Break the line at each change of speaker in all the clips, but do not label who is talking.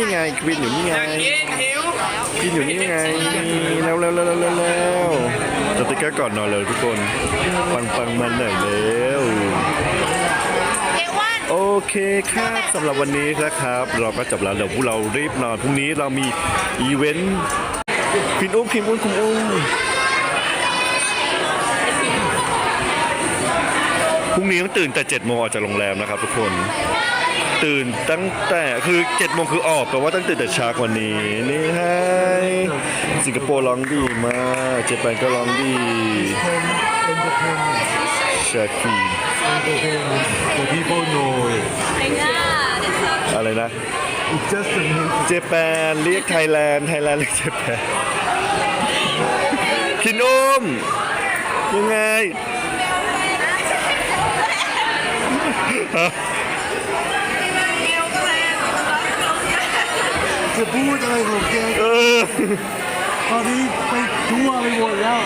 ไงควินอยู่นี่ไง
หิว
ควินอยู่นี่ไงแล้วสติ๊กเกอร์ก่อนนอนเลยทุกคนปังมันหน่อยเร็วโอเคครับสำหรับวันนี้นะครับเราก็จบแล้วเดี๋ยวพวกเรารีบนอนพรุ่งนี้เรามีอีเวนต์พิมอุ้มคุณอุ้มพรุ่งนี้ต้องตื่นแต่7 โมงออกจากโรงแรมนะครับทุกคนตื่นตั้งแต่คือ7 โมงคือออกแต่ว่าต้องตื่นแต่เช้ากว่านี้นี่ให้สิงคโปร์ร้องดีมากเจแปนก็ร้องดีชาคีน
The people know it.
อะไรนะ
It's just a music.
เจแปนเรียกไทยแลนด์เรียกเจแปนคินอุ้มยังไง
จะพูดอะไรของแกตอนนี้ไปทั่วไปหมดแล้ว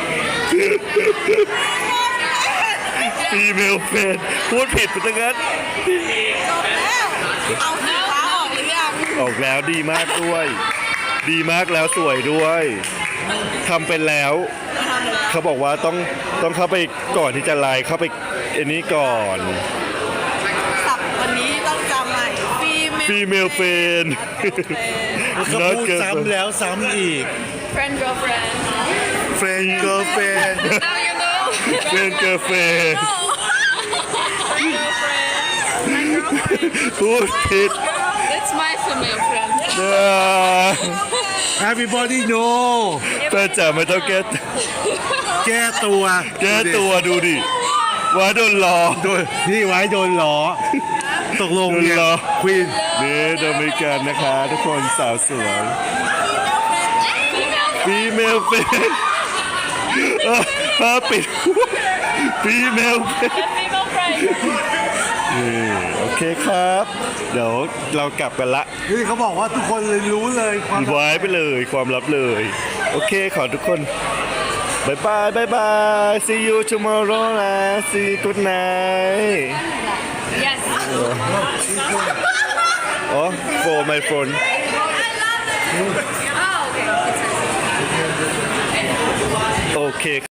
ฟีเมลเฟนพูดผิดไปตั้งนั้น
เอาสีฟ้าออกหรือยัง
ออกแล้วดีมากด้วย ดีมากแล้วสวยด้วยทำเป็นแล้ว เขาบอกว่าต้องเข้าไปก่อนที่จะไลน์เข้าไปอันนี้ก่อน
สับวันนี้ต้องจำใหม่
ฟีเมลเฟน
เขาพูดซ้ำแล้วซ้ำอีก
friend girlfriend
เฟนเกิร์ลเฟน
now you know
เฟนเกิร์ลเฟน พูดผิด
that's my female friend
Everybody know
แฟนจ๋าไม่ต้องแก้
แก้ตัว
แก้ตัวดูดิว่าโดนล้อ
โดนนี่ไว้โดนล้อตกลงเนี่ย
โดนล้อ
ควีน
นี่โดมิกันนะคะทุกคนสาวสวยฟีเมลเฟนปิดฟีเมลเฟน
female friend
โอเคครับ เดี๋ยวเรากลับกันละ
นี่เขาบอกว่าทุกคนเลยรู้เลยความ
ไว้ไปเลยความลับเลย โอเคขอทุกคนบายบาย see you tomorrow นะ see you good night
yes
อ๋อ for my phone
oh okay
โอเค